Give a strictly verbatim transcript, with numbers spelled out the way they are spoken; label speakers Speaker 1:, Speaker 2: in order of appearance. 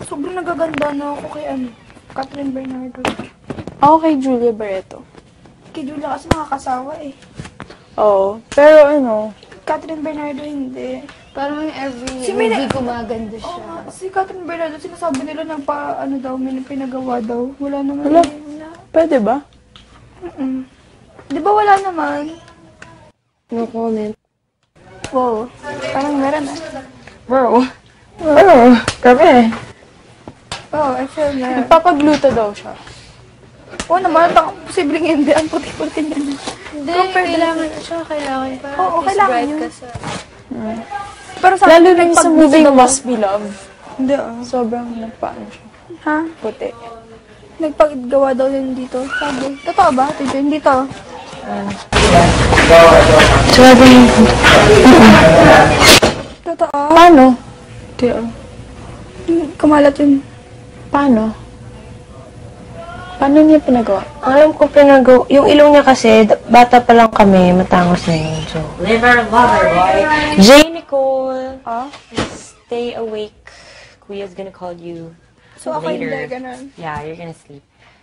Speaker 1: Sobrang nagaganda na ako kay ano, Catherine Bernardo.
Speaker 2: Ako kay Julia Barreto.
Speaker 1: Kay Julia kasi nakakasawa eh.
Speaker 2: Oo. Pero ano,
Speaker 1: Catherine Bernardo hindi.
Speaker 3: Parang every
Speaker 1: Si
Speaker 3: movie
Speaker 1: Mina-
Speaker 3: gumaganda siya.
Speaker 1: Oo nga, si Catherine Bernardo, sinasabi nila nagpa, ano daw, may pinagawa daw. Wala naman.
Speaker 2: Wala.
Speaker 1: eh, Wala.
Speaker 2: pwede ba?
Speaker 1: Mm-mm. Di ba wala naman?
Speaker 3: No comment.
Speaker 1: Wow. Parang meron ah.
Speaker 2: Bro. Bro. Grabe.
Speaker 1: Oo, I feel na.
Speaker 2: Nagpapagluto daw siya.
Speaker 1: Oo naman, baka posibleng hindi. Ang puti-puti niya na.
Speaker 3: Hindi,
Speaker 1: Compared
Speaker 3: kailangan siya, kailangan pa.
Speaker 1: Oo,
Speaker 3: Mas
Speaker 1: kailangan
Speaker 3: bright
Speaker 1: yun.
Speaker 3: ka sa...
Speaker 1: Pero sa
Speaker 2: Lalo
Speaker 1: akin,
Speaker 2: na yung sa
Speaker 1: nagpagluto
Speaker 2: movie
Speaker 1: daw-
Speaker 2: Must Be Love.
Speaker 1: Hindi ah.
Speaker 2: Sobrang nagpaano siya.
Speaker 1: Ha?
Speaker 2: Puti.
Speaker 1: Nagpagawa daw yun dito. Sabi. Totoo ba? Tito, hindi to.
Speaker 2: Sabi
Speaker 1: Totoo.
Speaker 2: Paano? Di ah.
Speaker 1: Kumalat yun.
Speaker 2: Paano? Paano niya pinagawa?
Speaker 4: Alam ko pinagawa. Yung ilong niya kasi, d- bata pa lang kami, matangos na yun. So, liver lover, boy. J. Nicole,
Speaker 2: Ah?
Speaker 4: stay awake. Kuya's gonna call you
Speaker 1: So ako
Speaker 4: later.
Speaker 1: hindi, ganun.
Speaker 4: Yeah, you're gonna sleep.